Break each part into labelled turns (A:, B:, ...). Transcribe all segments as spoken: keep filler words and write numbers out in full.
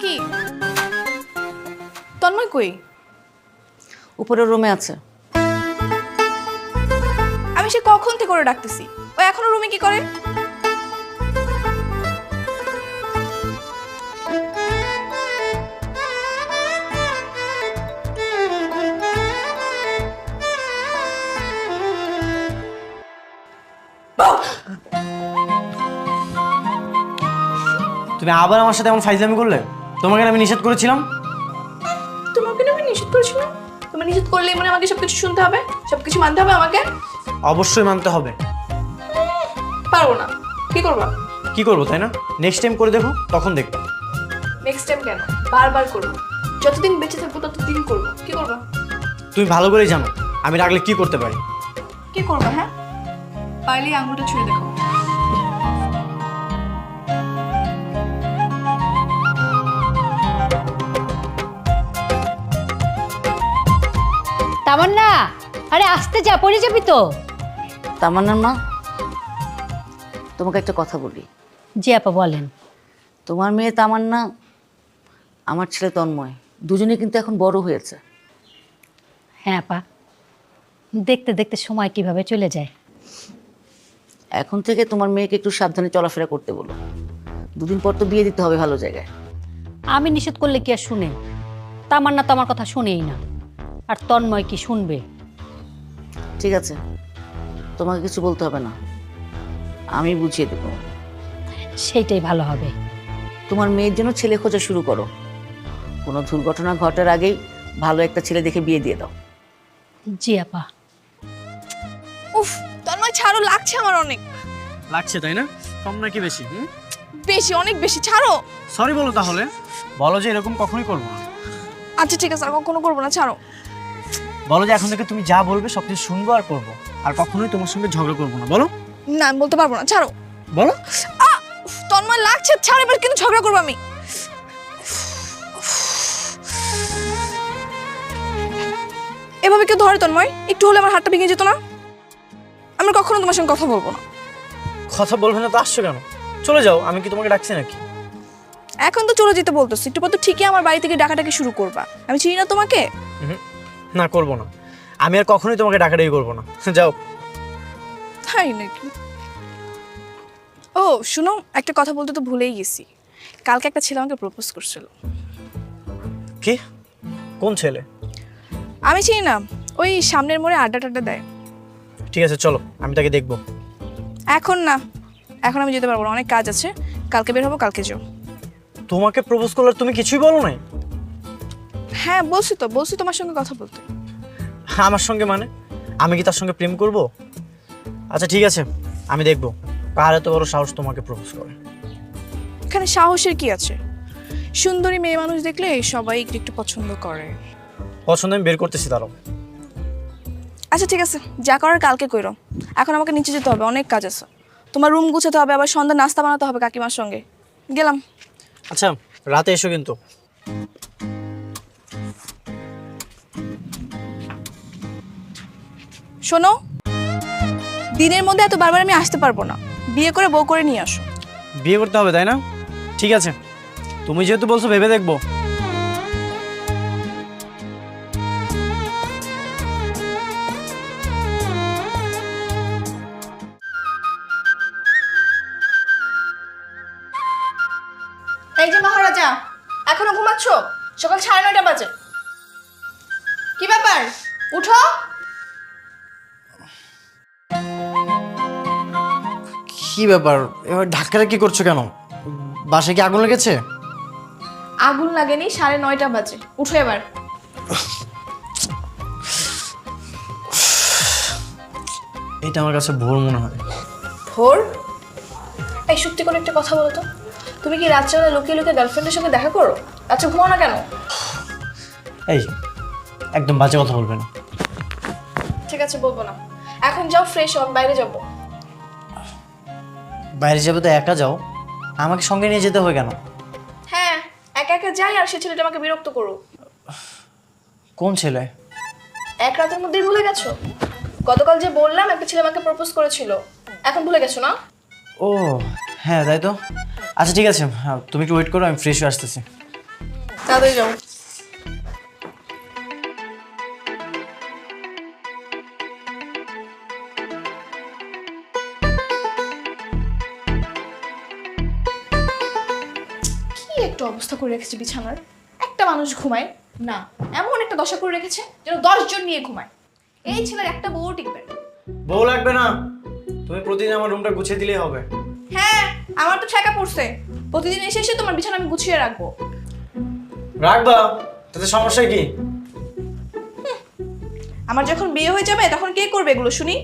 A: ডাকি। তন্ময় কই?
B: উপরের রুমে আছে।
A: আমি সে কখন থেকে করে ডাকতেছি, ও এখনো রুমে কি করে?
C: তুমি আবার আমার সাথে এমন ফাইজলামি করলে? তোমাকে আমি নিষেধ করেছিলাম।
A: তোমাকে না আমি নিষেধ করেছিলাম? তুমি নিষেধ করলেই মানে আমাকে সবকিছু শুনতে হবে, সবকিছু মানতে হবে আমাকে?
C: অবশ্যই মানতে হবে।
A: পারবো না। কি করবা?
C: কি করবো তাই না? নেক্সট টাইম করে দেখো, তখন দেখবো।
A: নেক্সট টাইম কেন? বারবার করবো। যতদিন বেঁচে থাকবো ততদিন করবো। কি করবা?
C: তুমি ভালো করেই জানো আমি রাখলে কি করতে পারি।
A: কি করবা? হ্যাঁ, পারলেই আঙুলটা ছুঁয়ে দেখো।
D: তামান্না, আরে আসতে যা, পড়ে যাবি তো।
B: তামান্নার মা, তোমাকে একটা কথা বলি।
D: জি আপা বলেন।
B: তোমার মেয়ে তামান্না, আমার ছেলে তন্ময়, দুজনে কিন্তু এখন বড় হয়েছে।
D: হ্যাঁ আপা, দেখতে দেখতে সময় কিভাবে চলে যায়।
B: এখন থেকে তোমার মেয়েকে একটু সাবধানে চলাফেরা করতে বলো। দুদিন পর তো বিয়ে দিতে হবে ভালো জায়গায়।
D: আমি নিষেধ করলে কি আর শুনে? তামান্না তো আমার কথা শুনেই না, আর তন্ময় কি শুনবে?
B: ঠিক আছে, তোমাকে কিছু বলতে হবে না, আমি বুঝিয়ে দেবো।
D: সেইটাই ভালো হবে।
B: তোমার মেয়ের জন্য ছেলে খোঁজা শুরু করো। কোনো দুর্ঘটনা ঘটার আগেই ভালো একটা ছেলে দেখে বিয়ে দিয়ে দাও।
D: জি আপা।
A: উফ, তন্ময় ছাড়ো, লাগছে আমার অনেক।
C: লাগছে তাই না? কম নাকি বেশি? হুম,
A: বেশি, অনেক বেশি। ছাড়ো।
C: সরি বলো তাহলে। বলো যে এরকম কখনোই করবো না।
A: আচ্ছা ঠিক আছে, আর কখনো করবো না। ছাড়ো।
C: বলো যে এখন থেকে তুমি যা বলবে সবকিছু শুনবো আর করবো, আর কখনোই তোমার সঙ্গে ঝগড়া করবো না। বলো।
A: না, আমি বলতে পারবো না। ছাড়ো।
C: বলো।
A: আ উফ, তন্ময় লাগছে। ছাড়ো, এবার কিন্তু ঝগড়া করবো আমি। এভাবে কেউ ধরে তন্ময়? একটু হলে আমার হাতটা ভেঙে যেত না? আমি কখনো তোমার সঙ্গে কথা বলবো না।
C: কথা বলবে না তো আসছো কেন? চলে যাও, আমি কি তোমাকে ডাকছি নাকি?
A: এখন তো চলে যেতে বলতেছি, একটু পর তো ঠিকই আমার বাড়ি থেকে ডাকাডাকি শুরু করবা। আমি চিনি না তোমাকে।
C: হুম, না করবো না। আমি আর কখনোই তোমাকে ডাকাডাকি করবো না। যাও।
A: তাই নাকি? ও শুনো, একটা কথা বলতে তো ভুলেই গেছি। কালকে একটা ছেলে আমাকে প্রপোজ করছিল।
C: কি? কোন ছেলে?
A: আমি চিনি না, ওই সামনের মোড়ে আড্ডা টাড্ডা দেয়।
C: ঠিক আছে চলো, আমি তাকে দেখবো।
A: এখন না, এখন আমি যেতে পারবো না, অনেক কাজ আছে। কালকে বের হবো, কালকে যাও।
C: তোমাকে প্রপোজ করলে তুমি কিছুই বলো নাই?
A: হ্যাঁ বলছি তো, বলছি তোমার সঙ্গে কথা বলতে।
C: আমার সঙ্গে মানে? আমি কি তার সঙ্গে প্রেম করব? আচ্ছা ঠিক আছে, আমি দেখবো কার এত বড় সাহস তোমাকে প্রপোজ করে।
A: এখানে সাহসের কি আছে? সুন্দরী মেয়ে মানুষ দেখলে সবাই একটু একটু পছন্দ করে।
C: পছন্দ আমি বের করতেছি তারও।
A: আচ্ছা ঠিক আছে, যা করার কালকে কইরো। এখন আমাকে নিচে যেতে হবে, অনেক কাজ আছে। তোমার রুম গুছাতে হবে, আবার সন্ধ্যা নাস্তা বানাতে হবে কাকিমার সঙ্গে। গেলাম।
C: আচ্ছা রাতে এসো কিন্তু।
A: শোনো, দিনের মধ্যে এত বারবার আমি আসতে পারবো না। বিয়ে করে বউ করে নিয়ে আসো।
C: বিয়ে করতে হবে তাই না? ঠিক আছে, তুমি যেহেতু বলছো ভেবে দেখবো।
A: এই যে মহারাজা, এখনো ঘুমাচ্ছ? সকাল সাড়ে নয়টা বাজে। কি ব্যাপার, উঠো।
C: কি ব্যাপার, এবার ধাক্কাটা কি করছো কেন? বাসায় কি আগুন লেগেছে?
A: আগুন লাগেনি, সাড়ে নয়টা বাজে। উঠো এবার।
C: এটা আমার কাছে ভোর মনে হয়।
A: ভোর? এই সত্যি করে একটা কথা বলো তো, তুমি কি রাত্রেবেলা লুকিয়ে লুকিয়ে গার্লফ্রেন্ডের সঙ্গে দেখা করো? আচ্ছা ঘুমাও না কেন?
C: এই একদম বাজে কথা বলবে না।
A: ঠিক আছে বলবো না। এখন যাও, ফ্রেশ হও, বাইরে যাবো।
C: বাইরে যাবে তো একা যাও, আমাকে সঙ্গে নিয়ে যেতে হবে কেন?
A: হ্যাঁ, একা একা যাই আর সে ছেলেটা আমাকে বিরক্ত করো।
C: কোন ছেলে?
A: এক রাতের মধ্যেই ভুলে গেছো? গতকাল যে বললাম একটা ছেলে আমাকে প্রপোজ করেছিল, এখন ভুলে গেছো না?
C: ও হ্যাঁ তাই তো। আচ্ছা ঠিক আছে, তুমি একটু ওয়েট করো, আমি ফ্রেশ হয়ে আসতেছি।
A: তাড়াতাড়ি যাও। কি একটা অবস্থা করে রেখেছে বিছানার। একটা মানুষ ঘুমায় না, এমন একটা দশা করে রেখেছে যেন দশ জন নিয়ে ঘুমায়। এই ছেলের একটা বউ টিকবে না।
C: বউ লাগবে না, তুমি প্রতিদিন আমার রুমটা গুছিয়ে দিলেই হবে।
A: হ্যাঁ, আমার তো ঠেকা পড়ছে। প্রতিদিন এসে এসে তোমার বিছানা আমি গুছিয়ে রাখবো।
C: রাখবা, তাতে সমস্যা কি?
A: আমার যখন বিয়ে হয়ে যাবে তখন কে করবে এগুলো শুনি?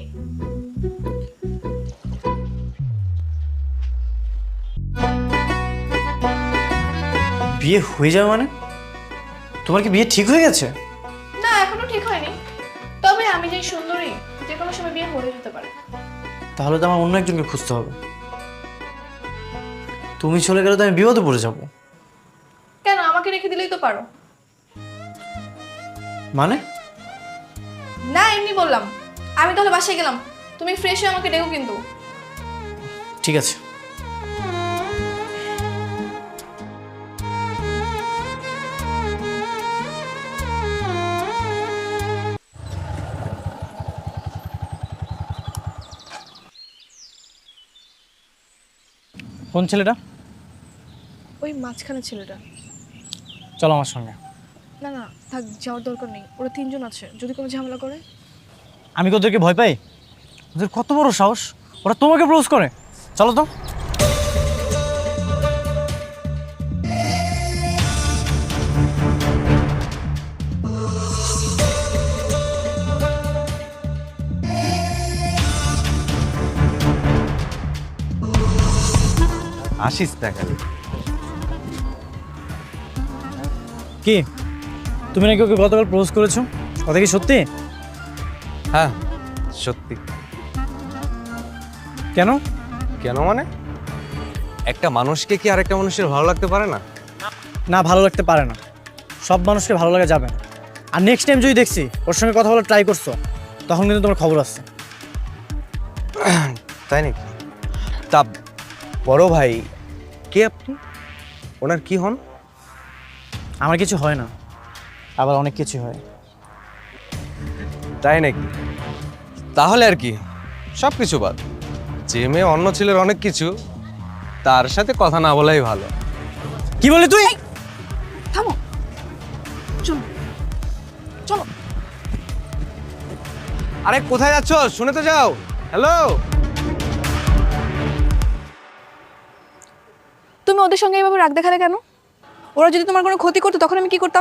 C: বিয়ে হয়ে যাবে মানে? তোমার কি বিয়ে ঠিক হয়ে গেছে?
A: না, এখনো ঠিক হয়নি। তবে আমি যে সুন্দরী, যে কোনো সময় বিয়ে হয়ে যেতে পারে।
C: তাহলে তো আমার অন্য একজনকে খুঁজতে হবে। তুমি চলে গেলে তো আমি বিপদে পড়ে যাব।
A: কেন, আমাকে রেখে দিলেই তো পারো।
C: মানে?
A: না, এমনি বললাম। আমি তাহলে বাসায় গেলাম, তুমি ফ্রেশ হয়ে আমাকে ডেকো কিন্তু।
C: ঠিক আছে। কোন ছেলেটা?
A: ওই মাঝখানে ছেলেটা।
C: চলো আমার সঙ্গে।
A: না না, থাক, যাওয়ার দরকার নেই। ওরা তিনজন আছে, যদি কোনো ঝামেলা করে।
C: আমি ওদেরকে ভয় পাই? ওদের কত বড় সাহস, ওরা তোমাকে প্রপোজ করে। চলো তো।
E: আসিস দেখা।
C: কি, তুমি নাকি ওকে গতকাল প্রপোজ করেছো? কথা কি সত্যি?
E: হ্যাঁ সত্যি।
C: কেন?
E: কেন মানে? একটা মানুষকে কি আরেকটা মানুষের ভালো লাগতে পারে না?
C: না, ভালো লাগতে পারে না। সব মানুষকে ভালো লাগা যাবে না। আর নেক্সট টাইম যদি দেখছি ওর সঙ্গে কথা বলার ট্রাই করছো, তখন কিন্তু তোমার খবর আসছে।
E: তাই নাকি? তা বড় ভাই কে আপনি? ওনার কি হন?
C: আমার কিছু হয় না, আবার অনেক কিছু হয়।
E: তাই নাকি? তাহলে আর কি, সব কিছু বাদ। যে মেয়ে অন্য ছেলের অনেক কিছু, তার সাথে কথা না বলাই ভালো।
C: কি বলি তুই?
A: থামো, চলো চলো।
E: আরে কোথায় যাচ্ছ? শুনে তো যাও। হ্যালো,
A: তুমি ওদের সঙ্গে এইভাবে রাগ দেখালে কেন? ওরা যদি তোমার কোনো ক্ষতি করতো তখন আমি কি করতাম?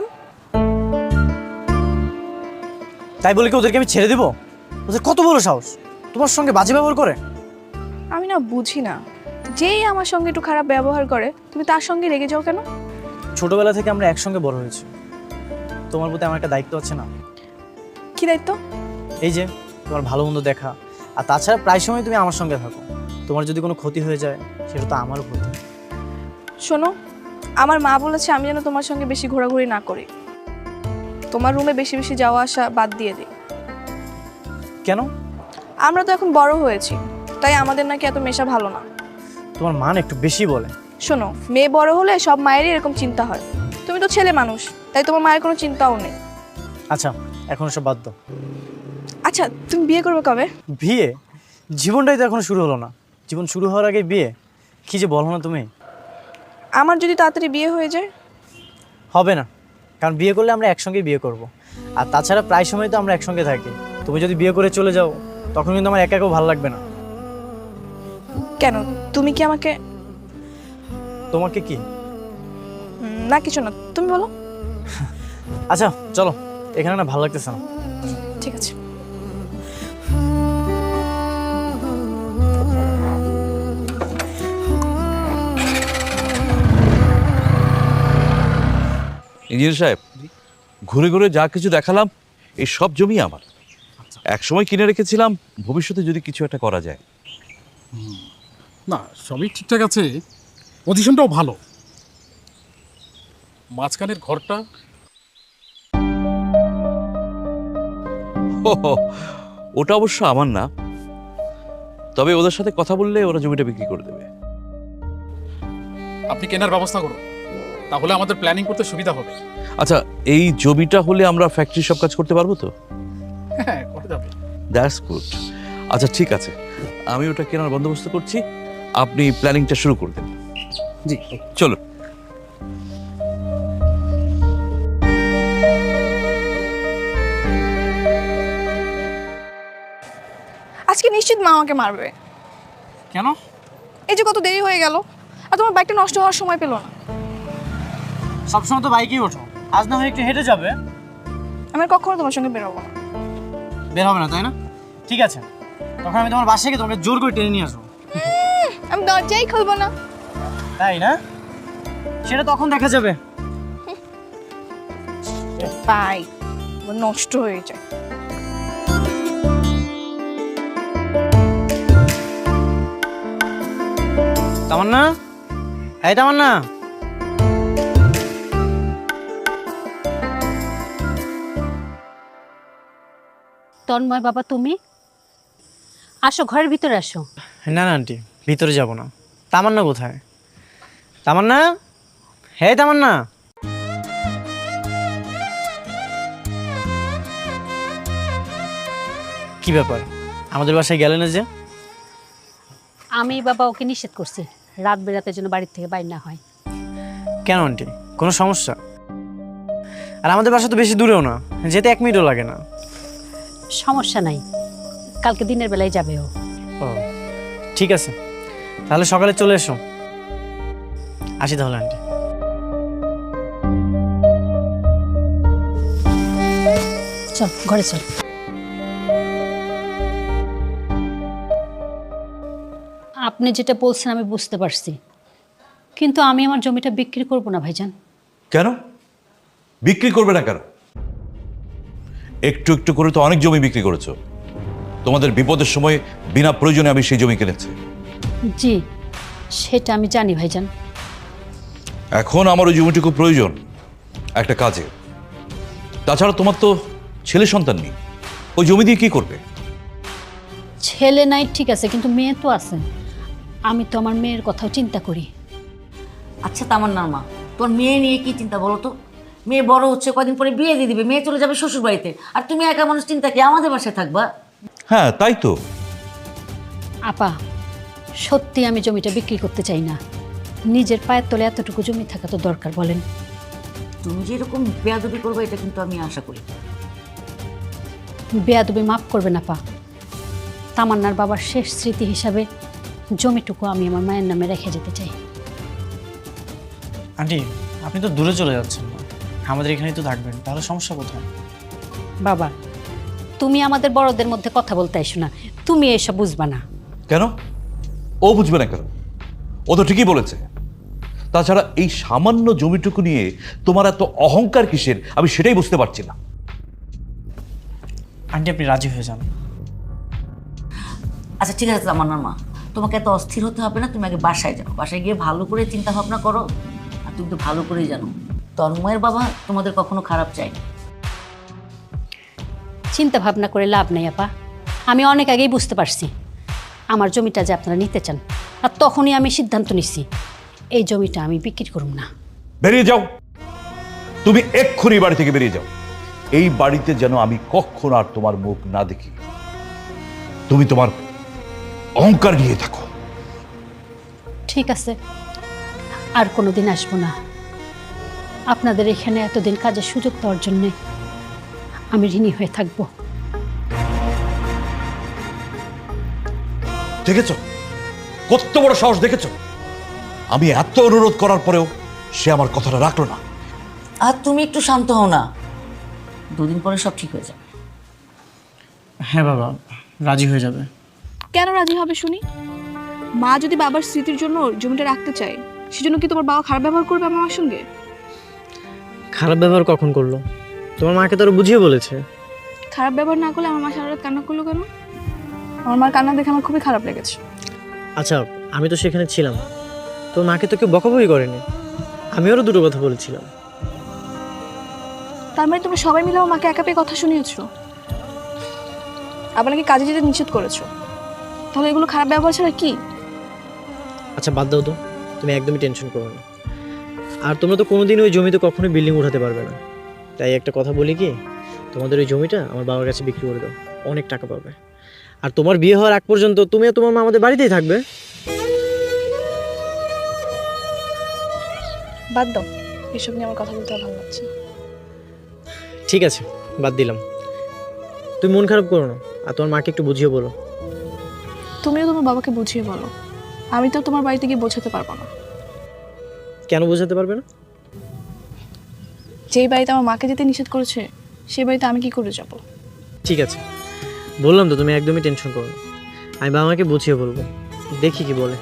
C: তাই বলে কি ওদেরকে আমি ছেড়ে দেবো? ওদের কত বড় সাহস, তোমার সঙ্গে বাজে ব্যবহার করে।
A: আমি না বুঝি না, যেই আমার সঙ্গে একটু খারাপ ব্যবহার করে তুমি তার সঙ্গে রেগে যাও কেন?
C: ছোটবেলা থেকে আমরা একসঙ্গে বড় হয়েছি, তোমার প্রতি আমার একটা দায়িত্ব আছে না?
A: কি দায়িত্ব?
C: এই যে তোমার ভালো মন্দ দেখা, আর তাছাড়া প্রায় সময় তুমি আমার সঙ্গে থাকো। তোমার যদি কোনো ক্ষতি হয়ে যায় সেটা তো আমারও ক্ষতি।
A: শোনো, আমার মা বলেছে আমি যেন তোমার সঙ্গে বেশি ঘোরাঘুরি না করি, তোমার রুমে বেশি বেশি যাওয়া আসা বাদ দিয়ে দিই।
C: কেন?
A: আমরা তো এখন বড় হয়েছি, তাই আমাদের নাকি এত মেশা ভালো না।
C: তোমার মান একটু বেশি বলে।
A: শোনো, মেয়ে বড় হলে সব মায়েরই এরকম চিন্তা হয়। তুমি তো ছেলে মানুষ, তাই তোমার মায়ের কোনো চিন্তাও নেই।
C: আচ্ছা, এখন সব বাদ দাও।
A: আচ্ছা, তুমি বিয়ে করবে কবে?
C: বিয়ে? জীবনটাই তো এখনো শুরু হলো না, জীবন শুরু হওয়ার আগে বিয়ে? কি যে বলো না তুমি।
A: আমার যদি তাড়াতাড়ি বিয়ে হয়ে যায়?
C: হবে না, কারণ বিয়ে করলে আমরা একসঙ্গে বিয়ে করব। আর তাছাড়া প্রায় সময় তো আমরা একসঙ্গে থাকি। তুমি যদি বিয়ে করে চলে যাও তখন কিন্তু আমার একা একাও ভালো লাগবে না।
A: কেন, তুমি কি আমাকে?
C: তোমাকে কি?
A: উম, না কিছু না, তুমি বলো।
C: আচ্ছা চলো, এখানে না ভালো লাগতেছে না।
A: ঠিক আছে।
F: ইঞ্জিনিয়ার সাহেব, ঘুরে ঘুরে যা কিছু দেখালাম এই সব জমি আমার। এক সময় কিনে রেখেছিলাম, ভবিষ্যতে যদি কিছু একটা করা যায়।
G: না, সবই ঠিকঠাক আছে, পজিশনটাও ভালো। মাঝখানের ঘরটা
F: হো হো, ওটা অবশ্য আমার না, তবে ওদের সাথে কথা বললে ওরা জমিটা বিক্রি করে দেবে।
G: আপনি কেনার ব্যবস্থা করুন। তাহলে আমাদের প্ল্যানিং করতে সুবিধা হবে।
F: আচ্ছা, এই জমিটা হলে আমরা ফ্যাক্টরি সব কাজ করতে পারবো তো?
G: হ্যাঁ, করা যাবে।
F: That's good. আচ্ছা ঠিক আছে, আমি ওটা কেনার বন্দোবস্ত করছি, আপনি প্ল্যানিংটা শুরু করে দেন।
C: জি।
F: চলো।
A: আজকে নিশ্চিত মা আমাকে মারবে।
C: কেন?
A: এই যে কত দেরি হয়ে গেল, আর তোমার বাইকটা নষ্ট হওয়ার সময় পেলো না।
C: সবসময় তো বাইকেই ওঠো, আজ না হয় একটু হেঁটে যাবে।
A: আমি আর কখনো তোমার সঙ্গে বেরোবো না।
C: বের হবে না তাই না? ঠিক আছে, তখন আমি তোমার বাসায় গিয়ে তোমাকে জোর করে টেনে নিয়ে আসবো।
A: আমি দরজাই খুলবো না।
C: তাই না? সেটা তখন দেখা যাবে।
A: বাই, নষ্ট হয়ে যায়।
C: তামান্না, এই তামান্না।
D: তন্ময় বাবা, তুমি আসো, ঘরের ভিতরে আসো।
C: না না আন্টি, ভিতরে যাব না। তামান্না কোথায়? তামান্না, হে তামান্না। কি ব্যাপার, আমাদের বাসায় গেলে না যে?
D: আমি বাবা ওকে নিষেধ করছি রাত বেরাতে যেন বাড়ির থেকে বাইর না হয়।
C: কেন আন্টি, কোনো সমস্যা? আর আমাদের বাসা তো বেশি দূরেও না, যেতে এক মিনিটও লাগে না।
D: সমস্যা নাই, কালকে দিনের বেলায় যাবে ও।
C: ও ঠিক আছে, তাহলে সকালে চলে এসো। আসি তাহলে আন্টি।
D: চল ঘরে চল। আপনি যেটা বলছেন আমি বুঝতে পারছি, কিন্তু আমি আমার জমিটা বিক্রি করব না ভাইজান।
F: কেন বিক্রি করবে না কেন? একটু একটু করে তো অনেক জমি বিক্রি করেছো। তোমাদের বিপদের সময় বিনা প্রয়োজনে আমি সেই জমি কিনেছি।
D: জি, সেটা আমি জানি ভাইজান।
F: এখন আমার ওই জমিটুকু প্রয়োজন একটা কাজে। তাছাড়া তোমার তো ছেলে সন্তান নেই, ওই জমি দিয়ে কি করবে?
D: ছেলে নাই ঠিক আছে, কিন্তু মেয়ে তো আছে। আমি তো আমার মেয়ের কথাও চিন্তা করি।
B: আচ্ছা তামান্নার মা, তোর মেয়ে নিয়ে কি চিন্তা বলো তো? মেয়ে বড় হচ্ছে, কদিন পরে বিয়ে দিয়ে দিবে, মেয়ে চলে যাবে শ্বশুর বাড়িতে, আর তুমি একা মানুষ চিন্তা কি আমাদের বাসায় থাকবা?
F: হ্যাঁ তাই তো।
D: আপা, সত্যি আমি জমিটা বিক্রি করতে চাই না। নিজের পায়ের তলে এতটুকু জমি থাকা তো দরকার, বলেন?
B: তুমি যে এরকম বেয়াদবি করবে এটা কিন্তু আমি আশা করি।
D: বেয়াদবি মাফ করবেন আপা। তামান্নার বাবার শেষ স্মৃতি হিসাবে জমিটুকু আমি আমার মায়ের নামে রেখে যেতে চাই।
C: আন্টি, আপনি তো দূরে চলে যাচ্ছেন না, আমাদের এখানেই তো থাকবেন, তাহলে সমস্যা কোথায়?
D: বাবা, তুমি আমাদের বড়দের মধ্যে কথা বলতে আইসো না, তুমি এসব বুঝবা না।
F: কেন ও বুঝবে না কেন? ও তো ঠিকই বলেছে। তাছাড়া এই সামান্য জমিটুকু নিয়ে তোমার এত অহংকার কিসের আমি সেটাই বুঝতে পারছি না।
C: আন্টি আপনি রাজি হয়ে যান।
B: আচ্ছা ঠিক আছে তামান্নার মা, তোমাকে এত অস্থির হতে হবে না, তুমি আগে বাসায় যাও, বাসায় গিয়ে ভালো করে চিন্তা ভাবনা করো। আর তুমি তো ভালো করেই জানো তন্ময়ের বাবা তোমাদের কখনো খারাপ চায় না।
D: চিন্তা ভাবনা করে লাভ নেই আপা, আমি অনেক আগেই বুঝতে পারছি আমার জমিটা যে আপনারা নিতে চান, আর তখনই আমি সিদ্ধান্ত নিচ্ছি এই জমিটা আমি বিক্রি করব না।
F: বেরিয়ে যাও, তুমি এক্ষুনি বাড়ি থেকে বেরিয়ে যাও। এই বাড়িতে যেন আমি কখনো আর তোমার মুখ না দেখি। তুমি তোমার অহংকার নিয়ে থাকো।
D: ঠিক আছে, আর কোনো দিন আসবো না। আপনাদের এখানে এতদিন কাজের সুযোগ দেওয়ার জন্যে আমি ঋণী হয়ে থাকবো।
F: দেখেছ কত বড় সাহস, দেখেছ? আমি এত অনুরোধ করার পরেও সে আমার কথাটা রাখলো না।
B: আর তুমি একটু শান্ত হও না, দুদিন পরে সব ঠিক হয়ে যাবে।
C: হ্যাঁ বাবা, রাজি হয়ে যাবে।
A: কেন রাজি হবে শুনি? মা যদি বাবার স্মৃতির জন্য জমিটা রাখতে চায়, সেজন্য কি তোমার বাবা খারাপ ব্যবহার করবে আমার সঙ্গে?
C: খারাপ ব্যবহার কখন করলো? তোমার মাকে তো আরো বুঝিয়ে বলেছে।
A: খারাপ ব্যবহার না করলে আমার মা সারা রাত কান্না করলো কেন? আমার মার কান্না দেখে আমার খুবই খারাপ লেগেছে।
C: আচ্ছা আমি তো সেখানে ছিলাম, তোর মাকে তো কেউ বকাবকি করেনি, আমি আরও দুটো কথা বলেছিলাম।
A: তার মানে তোমরা সবাই মিলে আমার মাকে একা পেয়ে কথা শুনিয়েছো, আবার নাকি কাজে যেতে নিষেধ করেছো। তাহলে এগুলো খারাপ ব্যবহার ছাড়া কি?
C: আচ্ছা বাদ দাও তো, তুমি একদমই টেনশন করো না। আর তোমরা তো কোনোদিন ওই জমিতে কখনোই বিল্ডিং উঠাতে পারবে না। তাই একটা কথা বলি কি, তোমাদের ওই জমিটা আমার বাবার কাছে বিক্রি করে দাও, অনেক টাকা পাবে। আর তোমার বিয়ে হওয়ার আগ পর্যন্ত তুমি আর তোমার মা আমাদের বাড়িতেই থাকবে।
A: বাদ দাও, এসব নিয়ে আমার কথা বলতে আর ভালো লাগছে না।
C: ঠিক আছে, বাদ দিলাম। তুমি মন খারাপ করো না, আর তোমার মাকে একটু বুঝিয়ে বলো।
A: তুমিও তোমার বাবাকে বুঝিয়ে বলো, আমি তো তোমার বাড়িতে গিয়ে বোঝাতে পারবো না।
C: কেন বোঝাতে পারবে না?
A: যেই বাড়িতে আমার মাকে যেতে নিষেধ করেছে সেই বাড়িতে আমি কি করে যাব?
C: ঠিক আছে, বললাম তো, তুমি একদমই টেনশন করো না। আমি বাবা মাকে বুঝিয়ে বলবো, দেখি কি বলে।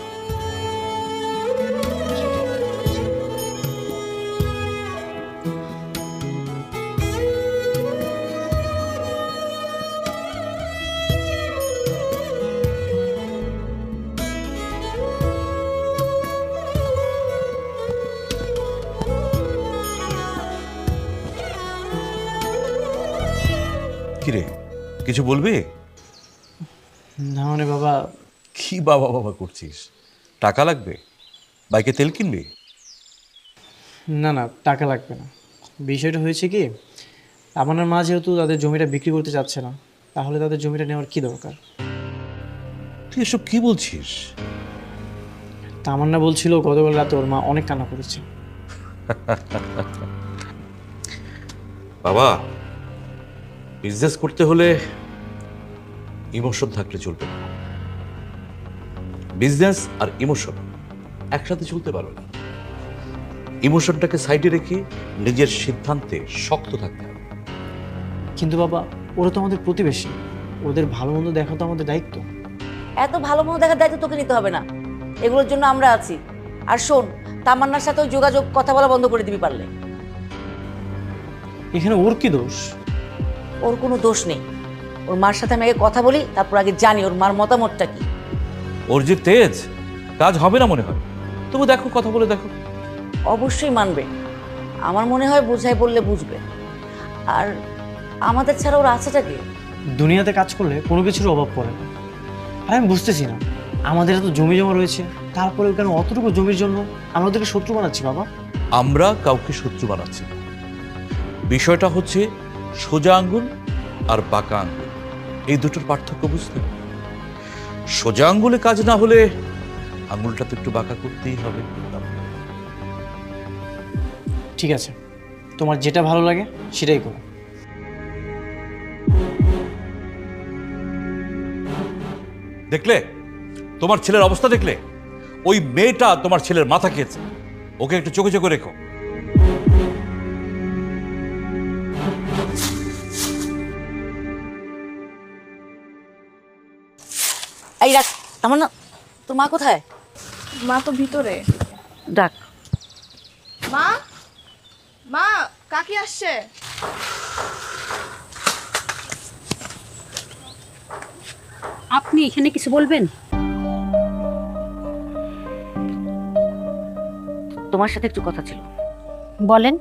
F: কিরে, কিছু বলবি?
C: না মানে বাবা,
F: কি বাবা বাবা করছিস? টাকা লাগবে? বাইকে তেল কিনবি?
C: না না, টাকা লাগবে না। বিষয়টা হয়েছে কি, আমার মা যেহেতু তাদের জমিটা বিক্রি করতে চাচ্ছে না, তাহলে তাদের জমিটা নেওয়ার কি দরকার?
F: তুই এসব কি বলছিস?
C: তামান্না বলছিল গতকাল রাতে ওর মা অনেক কান্না করেছে।
F: বাবা, বিজনেস করতে হলে ইমোশন থাকলে চলবে না। বিজনেস আর ইমোশন একসাথে চলতে পারবে না। ইমোশনটাকে সাইডে রেখে নিজের সিদ্ধান্তে শক্ত থাকতে হবে।
C: কিন্তু বাবা, ওরা তো আমাদের প্রতিবেশী, ওদের ভালো মন্দ দেখা তো আমাদের দায়িত্ব।
B: এত ভালো মতো দেখার দায়িত্ব তোকে নিতে হবে না, এগুলোর জন্য আমরা আছি। আর শোন, তামান্নার সাথে ওই যোগাযোগ কথা বলা বন্ধ করে দিবি পারলে।
C: এখানে ওর কি দোষ?
B: ওর কোনো দোষ নেই। ওর মার সাথে আমি আগে কথা বলি, তারপর আগে জানি ওর মার মতামতটা কি।
F: ওর যে তেজ, কাজ হবে না মনে হয়। তবু দেখো, কথা বলে দেখো।
B: অবশ্যই মানবে, আমার মনে হয় বোঝাই বললে বুঝবে। আর আমাদের ছাড়া ওর আছেটা কি?
C: দুনিয়াতে কাজ করলে কোনো কিছুর অভাব পড়ে না। আর আমি বুঝতেছি না, আমাদের এত জমি জমা রয়েছে, তারপরেও কেন অতটুকু জমির জন্য আমরা ওদেরকে শত্রু বানাচ্ছি বাবা?
F: আমরা কাউকে শত্রু বানাচ্ছি না। বিষয়টা হচ্ছে সোজা আঙ্গুল আর বাঁকা আঙ্গুল, এই দুটোর পার্থক্য বুঝতে হবে। সোজা আঙ্গুলে কাজ না হলে আঙ্গুলটা তো একটু বাঁকা করতেই হবে।
C: ঠিক আছে, তোমার যেটা ভালো লাগে সেটাই করো।
F: দেখলে তোমার ছেলের অবস্থা, দেখলে ওই মেয়েটা তোমার ছেলের মাথা খেয়েছে। ওকে একটু চোখে চোখে রেখো।
B: এই ডাক, আমার না, তোর মা কোথায়?
A: মা তো ভিতরে।
B: ডাক।
A: মা, মা, কাকি আসছে।
D: আপনি এখানে কিছু বলবেন?
B: তোমার সাথে একটু কথা ছিল।
D: বলেন।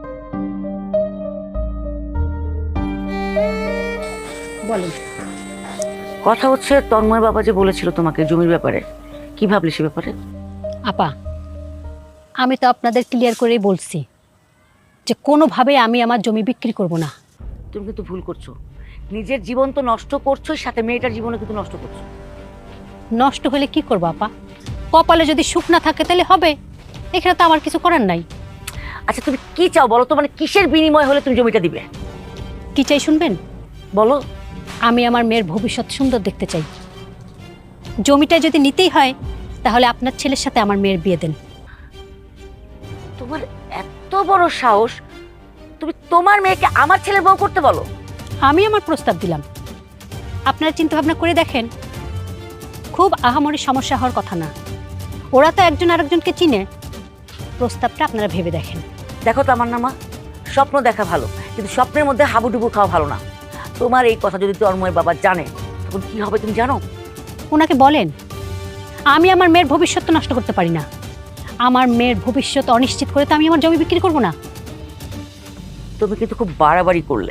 D: বলেন।
B: কথা হচ্ছে, তন্ময় বাবা যে বলেছিল তোমাকে জমির ব্যাপারে, কি ভাবলি সে ব্যাপারে?
D: আপা, আমি তো আপনাদের ক্লিয়ার করেই বলছি যে কোনোভাবে আমি আমার জমি বিক্রি করব না।
B: তুমি কিন্তু ভুল করছো। নিজের জীবন তো নষ্ট করছো, সাথে মেয়েটার জীবনে কিন্তু নষ্ট করছো।
D: নষ্ট হলে কি করবো আপা? কপালে যদি সুখ না থাকে তাহলে হবে, এখানে তো আমার কিছু করার নাই।
B: আচ্ছা তুমি কি চাও বলো তো, মানে কিসের বিনিময় হলে তুমি জমিটা দিবে?
D: কি চাই শুনবেন?
B: বলো।
D: আমি আমার মেয়ের ভবিষ্যৎ সুন্দর দেখতে চাই। জমিটা যদি নিতেই হয় তাহলে আপনার ছেলের সাথে আমার মেয়ের বিয়ে দেন।
B: তোমার এত বড় সাহস, তুমি তোমার মেয়েকে আমার ছেলের বউ করতে বলো?
D: আমি আমার প্রস্তাব দিলাম, আপনারা চিন্তা ভাবনা করে দেখেন। খুব আহামরি সমস্যা হওয়ার কথা না, ওরা তো একজন আরেকজনকে চিনে। প্রস্তাবটা আপনারা ভেবে দেখেন।
B: দেখো তামান্না মা, স্বপ্ন দেখা ভালো, কিন্তু স্বপ্নের মধ্যে হাবুডুবু খাওয়া ভালো না। তোমার এই কথা যদি তন্ময় বাবা জানে, তখন কি হবে তুমি জানো?
D: ওনাকে বলেন আমি আমার মেয়ের ভবিষ্যৎ তো নষ্ট করতে পারি না। আমার মেয়ের ভবিষ্যৎ অনিশ্চিত করে তো আমি আমার জমি বিক্রি করব না।
B: তুমি কিন্তু খুব বাড়াবাড়ি করলে।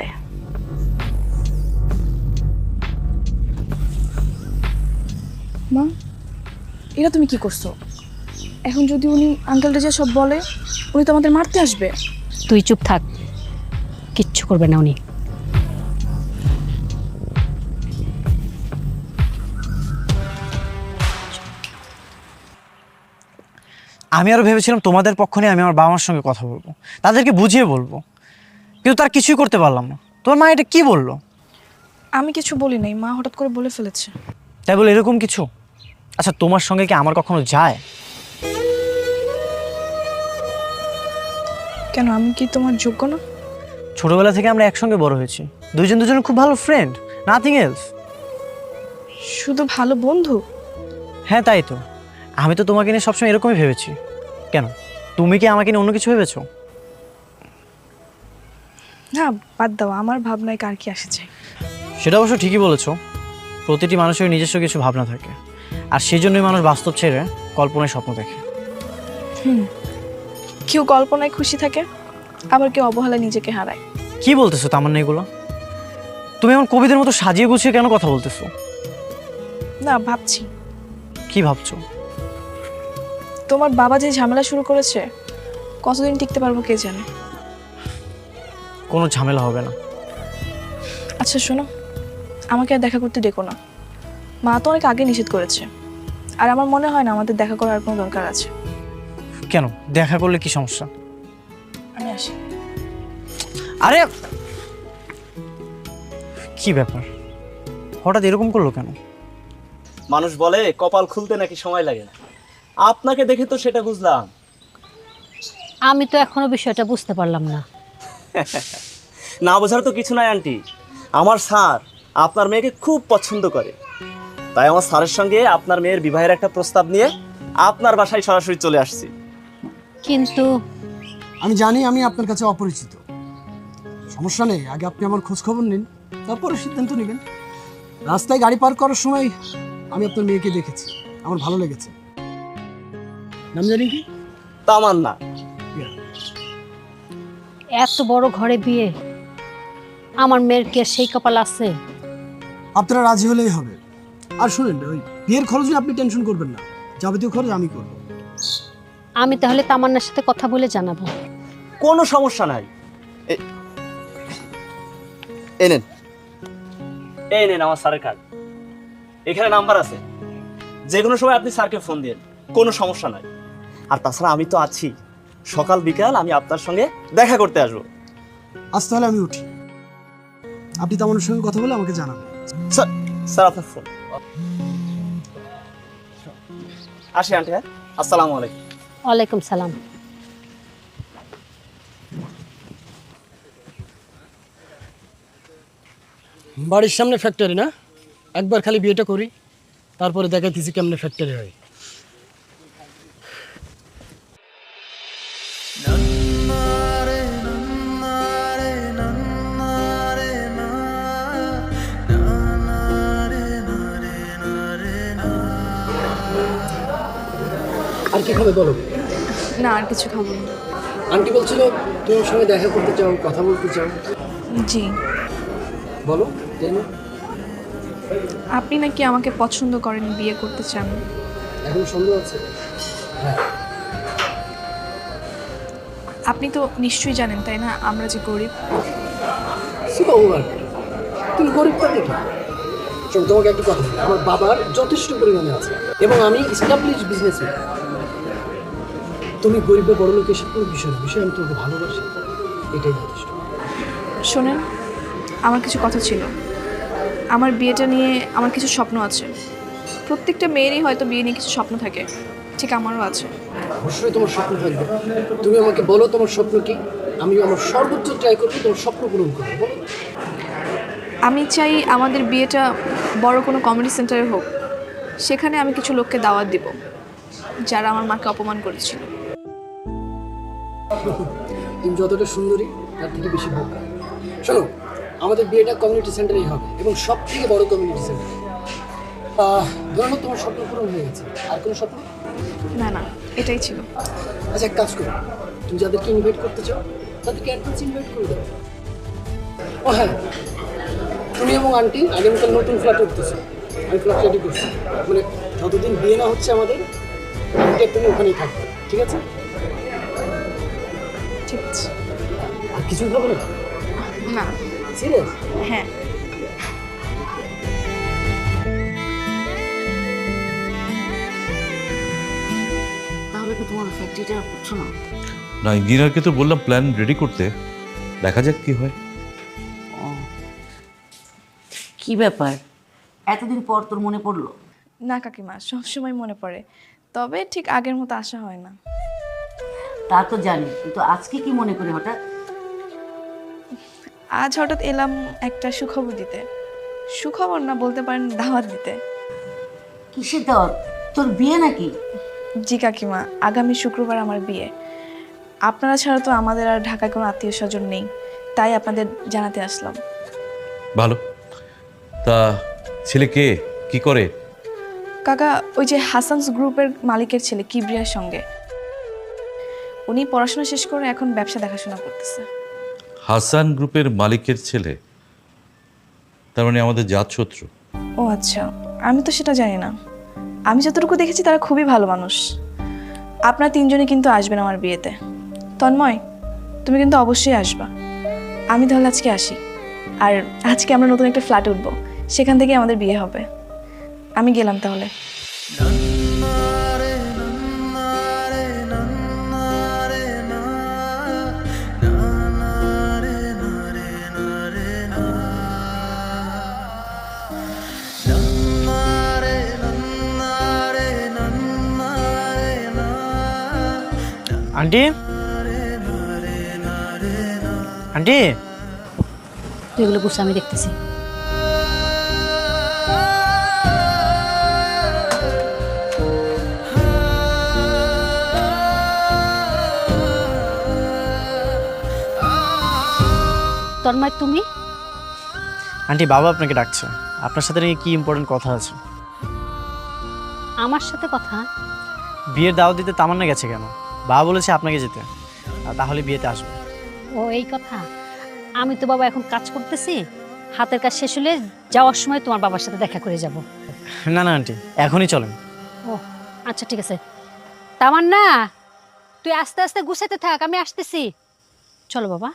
A: মা, এটা তুমি কি করছো? এখন যদি উনি আঙ্কেলটা যে সব বলে, উনি তো আমাদের মারতে আসবে।
D: তুই চুপ থাক, কিচ্ছু করবে না উনি।
C: আমি আরো ভেবেছিলাম তোমাদের পক্ষ নিয়ে আমি আমার বাবা মার সঙ্গে কথা বলবো, তাদেরকে বুঝিয়ে বলবো, কিন্তু তার কিছুই করতে পারলাম না। তোমার মা এটা কি বললো?
A: আমি কিছু বলি নাই, মা হঠাৎ করে বলে ফেলেছে।
C: তাই বলে এরকম কিছু? আচ্ছা, তোমার সঙ্গে কি আমার কখনো যায়?
A: কেন, আমি কি তোমার যোগ্য না?
C: ছোটবেলা থেকে আমরা একসঙ্গে বড় হয়েছি, দুইজন দুজনের খুব ভালো ফ্রেন্ড, নাথিং এলস।
A: শুধু ভালো বন্ধু?
C: হ্যাঁ তাই তো, আমি তো তোমাকে নিয়ে সবসময় এরকমই ভেবেছি। কেন, তুমি কি আমাকে নিয়ে অন্য কিছু ভেবেছো?
A: না বাদ দাও, আমার ভাবনায় কার কি আসে যায়।
C: সেটা অবশ্য ঠিকই বলেছো, প্রতিটি মানুষের নিজস্ব কিছু ভাবনা থাকে, আর সেই জন্যই মানুষ বাস্তব ছেড়ে কল্পনায় স্বপ্ন দেখে।
A: হুম, কেউ কল্পনায় খুশি থাকে, আবার কেউ অবহেলায় নিজেকে হারায়।
C: কি বলতেছো তামান্না এগুলো? তুমি এমন কবিদের মতো সাজিয়ে গুছিয়ে কেন কথা বলতেছো?
A: না, ভাবছি
C: কি ভাবছো?
A: তোমার বাবা যে ঝামেলা শুরু করেছে, কতদিন টিকতে পারবো কে জানে।
C: কোনো ঝামেলা হবে না।
A: আচ্ছা শোনো, আমাকে আর দেখা করতে ডেকো না। মা তো অনেক আগে নিষেধ করেছে, আর আমার মনে হয় না আমাদের দেখা করার কোনো দরকার আছে।
C: কেন, দেখা করলে কি সমস্যা?
A: আমি আসি।
C: আরে কি ব্যাপার, হঠাৎ এরকম করলো কেন?
H: মানুষ বলে কপাল খুলতে নাকি সময় লাগে না, আপনাকে দেখে তো সেটা বুঝলাম।
D: আমি তো এখনো বিষয়টা বুঝতে পারলাম না।
H: না বোঝার তো কিছু নাই আন্টি, আমার স্যার আপনার মেয়েকে খুব পছন্দ করে, তাই আমার স্যারের সঙ্গে আপনার মেয়ের বিবাহের একটা প্রস্তাব নিয়ে আপনার বাসায় সরাসরি চলে আসছি।
D: কিন্তু
I: আমি জানি আমি আপনার কাছে অপরিচিত, সমস্যা নেই, আগে আপনি আমার খোঁজ খবর নিন, তারপরে সিদ্ধান্ত নেবেন। রাস্তায় গাড়ি পার করার সময় আমি আপনার মেয়েকে দেখেছি, আমার ভালো লেগেছে। নাম জানি কি?
H: তামান্না।
D: এত বড় ঘরে বিয়ে, আমার মেয়ের কি আর সেই কপাল আছে?
I: আপনারা রাজি হলেই হবে। আর শুনেন, ওই বিয়ের খরচ নিয়ে আপনি টেনশন করবেন না, যাবতীয় খরচ আমি করব।
D: আমি তাহলে তামান্নার সাথে কথা বলে জানাবো।
H: কোনো সমস্যা নাই, এ- এই নেন, এই নেন আমার স্যারের কার্ড, এখানে নাম্বার আছে, যে কোনো সময় আপনি স্যারকে ফোন দিন, কোনো সমস্যা নাই। আর তাছাড়া আমি তো আছি, সকাল বিকাল আমি আপনার সঙ্গে দেখা করতে আসবো।
I: আজ তাহলে আমি উঠি, আপনি তামান্নার সঙ্গে কথা বলে আমাকে জানাবেন।
H: স্যার, স্যার আপনার ফোন। আসি আন্টি, হ্যাঁ, আসসালামু আলাইকুম।
D: ওয়ালাইকুম সালাম।
I: বাড়ির সামনে ফ্যাক্টরি না, একবার খালি বিয়েটা করি, তারপরে দেখাইতেছি কেমনে ফ্যাক্টরি হয়। আর কি খাবে বলো?
A: না, আর কিছু খাবো না।
I: আন্টি বলছিল তোমার সঙ্গে দেখা করতে চাও, কথা বলতে চাও।
A: জি,
I: বলো জানো।
A: আপনি নাকি আমাকে পছন্দ করেন, বিয়ে করতে চান।
I: এখন সন্দেহ আছে?
A: আপনি তো নিশ্চয়ই জানেন তাই না, আমরা যে গরিব।
I: তুমি গরিবটা দেখি। শোনো, তোমাকে একটা কথা বলি, আমার বাবার যথেষ্ট পরিমাণে আছে এবং আমি এস্টাবলিশ বিজনেসম্যান। তুমি গরিব বা বড় লোক এসব কোনো বিষয় না, বিষয় আমি তোমাকে ভালোবাসি, এটাই যথেষ্ট।
A: শোনেন, আমার কিছু কথা ছিল। আমার বিয়েটা নিয়ে আমার কিছু স্বপ্ন আছে। প্রত্যেকটা মেয়েরই হয়তো বিয়ে নিয়ে কিছু স্বপ্ন থাকে, ঠিক আমারও আছে।
I: অবশ্যই তোমার স্বপ্ন থাকবে, তুমি আমাকে বলো তোমার স্বপ্ন কি, আমি আমার সর্বোচ্চ ট্রাই করবো তোমার স্বপ্ন পূরণ করবো। বলো।
A: আমি চাই আমাদের বিয়েটা বড় কোনো কমিউনিটি সেন্টারে হোক, সেখানে আমি কিছু লোককে দাওয়াত দিব যারা আমার মাকে অপমান করেছিল।
I: তুমি যতটা সুন্দরী তার থেকে বেশি বোকা। শোনো, আমাদের বিয়েটা কমিউনিটি সেন্টারেই হবে এবং সব থেকে বড় কমিউনিটি সেন্টার। ধরো তোমার স্বপ্ন পূরণ হয়ে গেছে, আর কোনো স্বপ্ন?
A: না না, এটাই ছিল।
I: আচ্ছা, এক কাজ করো, তুমি যাদেরকে ইনভাইট করতে চাও তাদেরকে অ্যাডভান্স ইনভাইট করে দাও। ও হ্যাঁ, তুমি এবং আন্টি আগামীকাল নতুন ফ্ল্যাট উঠতেছো, আমি ফ্ল্যাট রেডি করছি, মানে যতদিন বিয়ে না হচ্ছে আমাদের তুমি ওখানেই থাকবে, ঠিক আছে?
A: ঠিক আছে।
I: আর কিছুই হবে না?
A: না।
I: সিরিয়াস?
A: হ্যাঁ।
B: তাহলে কি তোমার ফ্যাক্টরিটা করছো না?
F: না, ইঞ্জিনিয়ারকে তো বললাম প্ল্যান রেডি করতে, দেখা যাক কি হয়।
B: ও, কি ব্যাপার, এতদিন পর তোর মনে পড়লো?
A: না কাকিমা, সবসময় মনে পড়ে, তবে ঠিক আগের মতো আশা হয় না।
B: তা তো জানি, কিন্তু আজকে কি মনে করে হঠাৎ?
A: আজ হঠাৎ এলাম একটা সুখবর দিতে। সুখবর না, বলতে পারেন দাওয়াত দিতে।
B: কিসের দাওয়াত? তোর বিয়ে নাকি?
A: জি কাকিমা, আগামী শুক্রবার আমার বিয়ে। আপনারা ছাড়া তো আমাদের আর ঢাকায় কোনো আত্মীয় স্বজন নেই, তাই আপনাদের জানাতে আসলাম।
F: ভালো। তা ছেলে কে, কি করে?
A: কাকা, ওই যে হাসানস গ্রুপের মালিকের ছেলে কিবরিয়ার সঙ্গে। উনি পড়াশোনা শেষ করে এখন ব্যবসা দেখাশোনা করতেছে।
F: হাসান গ্রুপের মালিকের ছেলে? তার মানে আমাদের জাত শত্রু?
A: ও আচ্ছা, আমি তো সেটা জানি না। আমি যতটুকু দেখেছি তারা খুবই ভালো মানুষ। আপনারা তিনজনই কিন্তু আসবেন আমার বিয়েতে। তন্ময়, তুমি কিন্তু অবশ্যই আসবা। আমি তাহলে আজকে আসি। আর আজকে আমরা নতুন একটা ফ্ল্যাটে উঠবো, সেখান থেকে আমাদের বিয়ে হবে। আমি গেলাম তাহলে।
C: আন্টি, আন্টি,
D: তুই এগুলো করছিস আমি দেখতেছি। তন্ময়, তুমি?
C: আন্টি, বাবা আপনাকে ডাকছে। আপনার সাথে নাকি কি ইম্পর্টেন্ট কথা আছে।
D: আমার সাথে কথা?
C: বিয়ের দাওয়াত দিতে তামান্না গেছে কেন? বাবা বলেছে আপনাকে যেতে, আর তাহলে বিয়েতে আসবে।
D: ও, এই কথা। আমি তো বাবা এখন কাজ করতেছি, হাতের কাজ শেষ হলে যাওয়ার সময় তোমার বাবার সাথে দেখা করে যাব।
C: না না আন্টি, এখনই চলেন।
D: ও আচ্ছা, ঠিক আছে। তামান্না, তুই আস্তে আস্তে গুছাইতে থাক, আমি আসতেছি। চলো বাবা।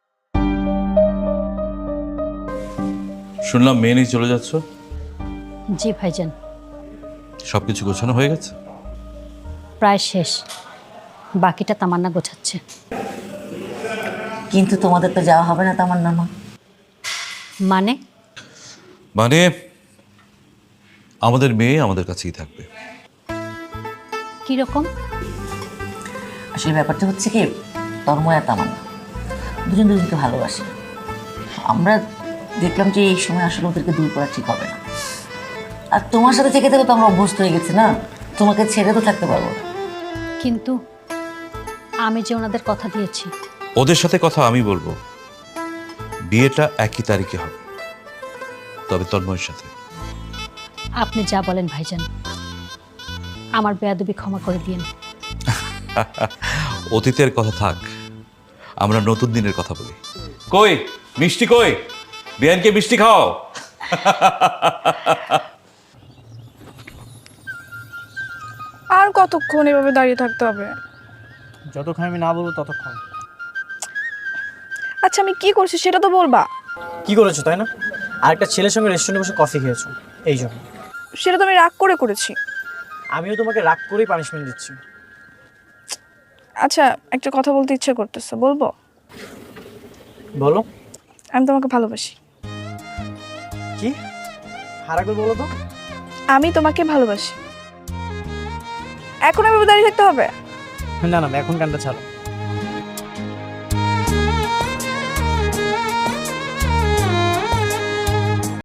F: শুনলাম মেয়ে নিয়ে চলে যাচ্ছ?
D: জি ভাইজান,
F: সবকিছু গোছানো হয়ে গেছে?
D: প্রায় শেষ, বাকিটা তামান্না গোছাচ্ছে।
B: কিন্তু তোমাদের তো যাওয়া হবে না তামান্না মা।
D: মানে?
F: মানে আমাদের মেয়ে আমাদের কাছেই থাকবে।
D: কিরকম?
B: আসলে ব্যাপারটা হচ্ছে কি, তন্ময় আর তামান্না দুজন দুজনকে ভালোবাসে। আমরা দেখলাম যে এই সময় আসলে ওদেরকে দূর করা ঠিক হবে না। আর তোমার সাথে থেকে থেকে তো আমরা অভ্যস্ত হয়ে গেছি না, তোমাকে ছেড়ে তো থাকতে পারবো না।
D: কিন্তু আমি যে ওনাদের কথা দিয়েছি।
F: ওদের সাথে কথা আমি বলবো, বিয়েটা একই তারিখে হবে, তবে তন্ময়ের সাথে।
D: আপনি যা বলেন ভাইজান, আমার বেয়াদবি ক্ষমা করে দিন।
F: অতীতের কথা থাক, আমরা নতুন দিনের কথা বলি। কই মিষ্টি, কই বিয়ানকে মিষ্টি খাও।
A: আর কতক্ষণ এভাবে দাঁড়িয়ে থাকতে হবে?
C: যতক্ষণ আমি না বলবো ততক্ষণ।
A: আচ্ছা, আমি কি করছি সেটা তো বলবা।
C: কি করেছো তাই না? আরেকটা ছেলের সঙ্গে রেস্টুরেন্টে বসে কফি খেয়েছো, এই জন্য।
A: সেটা তো আমি রাগ করে করেছি।
C: আমিও তোমাকে রাগ করেই পানিশমেন্ট দিচ্ছি।
A: আচ্ছা, একটা কথা বলতে ইচ্ছে করতেছে, বলবো?
C: বলো।
A: আমি তোমাকে ভালোবাসি।
C: কি? হারা করে বলো তো।
A: আমি তোমাকে ভালোবাসি। এখন এভাবে দাঁড়িয়ে থাকতে হবে?
C: না না, এখন কানটা ছাড়ো।